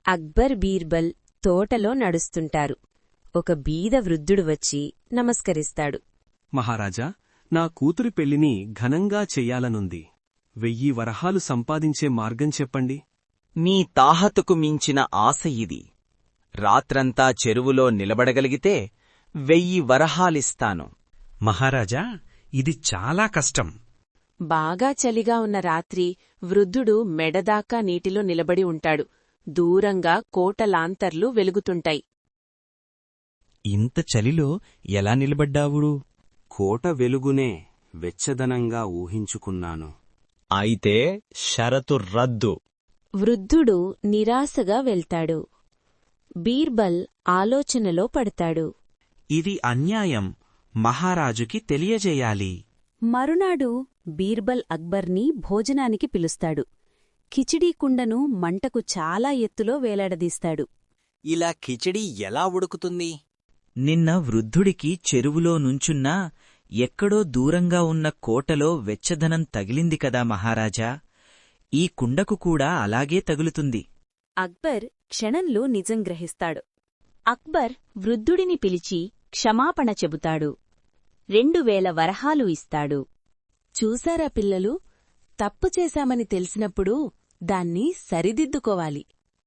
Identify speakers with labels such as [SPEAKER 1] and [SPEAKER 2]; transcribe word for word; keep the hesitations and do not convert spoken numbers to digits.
[SPEAKER 1] అక్బర్ బీర్బల్ తోటలో నడుస్తుంటారు. ఒక బీద వృద్ధుడు వచ్చి నమస్కరిస్తాడు.
[SPEAKER 2] మహారాజా, నా కూతురి పెళ్లిని ఘనంగా చెయ్యాలనుంది. వెయ్యి వరహాలు సంపాదించే మార్గం చెప్పండి.
[SPEAKER 3] మీ తాహతుకు మించిన ఆశ ఇది. రాత్రంతా చెరువులో నిలబడగలిగితే వెయ్యి వరహాలిస్తాను.
[SPEAKER 4] మహారాజా, ఇది చాలా కష్టం.
[SPEAKER 1] బాగా చలిగా ఉన్న రాత్రి వృద్ధుడు మెడదాకా నీటిలో నిలబడి ఉంటాడు. దూరంగా కోట లాంతర్లు వెలుగుతుంటాయి.
[SPEAKER 4] ఇంత చలిలో ఎలా నిలబడ్డావుడు?
[SPEAKER 2] కోట వెలుగునే వెచ్చదనంగా ఊహించుకున్నాను.
[SPEAKER 3] అయితే షరతు రద్దు.
[SPEAKER 1] వృద్ధుడు నిరాశగా వెళ్తాడు. బీర్బల్ ఆలోచనలో పడతాడు.
[SPEAKER 4] ఇది అన్యాయం. మహారాజుకి తెలియజేయాలి.
[SPEAKER 5] మరునాడు బీర్బల్ అక్బర్ని భోజనానికి పిలుస్తాడు. కిచిడీ కుండను మంటకు చాలా ఎత్తులో వేలాడదీస్తాడు.
[SPEAKER 3] ఇలా కిచిడీ ఎలా ఉడుకుతుంది?
[SPEAKER 6] నిన్న వృద్ధుడికి చెరువులో నుంచున్నా ఎక్కడో దూరంగా ఉన్న కోటలో వెచ్చదనం తగిలింది కదా మహారాజా. ఈ కుండకు కూడా అలాగే తగులుతుంది.
[SPEAKER 5] అక్బర్ క్షణంలో నిజం గ్రహిస్తాడు.
[SPEAKER 7] అక్బర్ వృద్ధుడిని పిలిచి క్షమాపణ చెబుతాడు. రెండు వేల వరహాలు ఇస్తాడు.
[SPEAKER 1] చూసారా పిల్లలు, తప్పు చేశామని తెలిసినప్పుడు దాన్ని సరిదిద్దుకోవాలి.